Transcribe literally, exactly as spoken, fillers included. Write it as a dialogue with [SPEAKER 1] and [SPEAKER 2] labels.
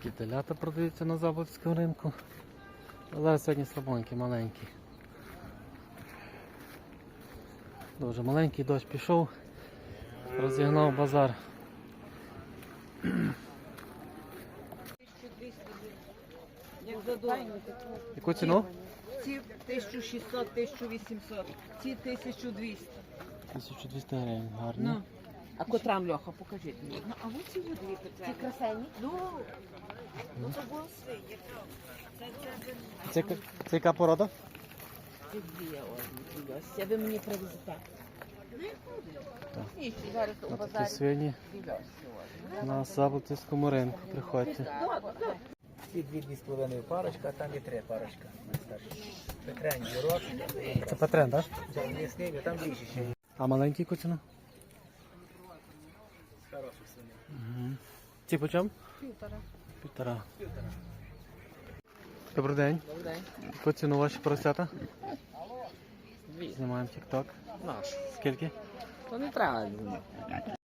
[SPEAKER 1] Такі телята продаються на Заболотському ринку. Але сьогодні слабонькі, маленькі. Дуже маленький, дощ пішов, розігнав базар. Яку ціну?
[SPEAKER 2] Ці тисяча шістсот - тисяча вісімсот, ці тисяча двісті.
[SPEAKER 1] тисяча двісті гривень, гарні.
[SPEAKER 2] Ну. А котрам, Льоха, покажіть мені. Ну, а ось ці дві ці красені. Ну, ну то було свині.
[SPEAKER 1] Це, яка- це яка порода?
[SPEAKER 2] Ці дві ось. Я ви мені привезете.
[SPEAKER 1] Так.
[SPEAKER 2] Ні, зараз у
[SPEAKER 1] Ось такі
[SPEAKER 2] базарі.
[SPEAKER 1] свині на Заболотському ринку. Приходьте.
[SPEAKER 3] Ці дві дві з половиною парочка, а там є три парочка. Петрень, Юрок,
[SPEAKER 1] Це Петрен, так?
[SPEAKER 3] М'ясний, а там більше ще.
[SPEAKER 1] А маленький яку ціну?
[SPEAKER 3] Хороших свиней.
[SPEAKER 1] Угу. Ці по чому?
[SPEAKER 2] Півтора.
[SPEAKER 1] Півтора. Добрий день.
[SPEAKER 2] Добрий день.
[SPEAKER 1] Яку ціну ваші поросята?
[SPEAKER 2] Дві.
[SPEAKER 1] Знімаємо тік-ток.
[SPEAKER 2] Наш.
[SPEAKER 1] Скільки?
[SPEAKER 2] То не треба.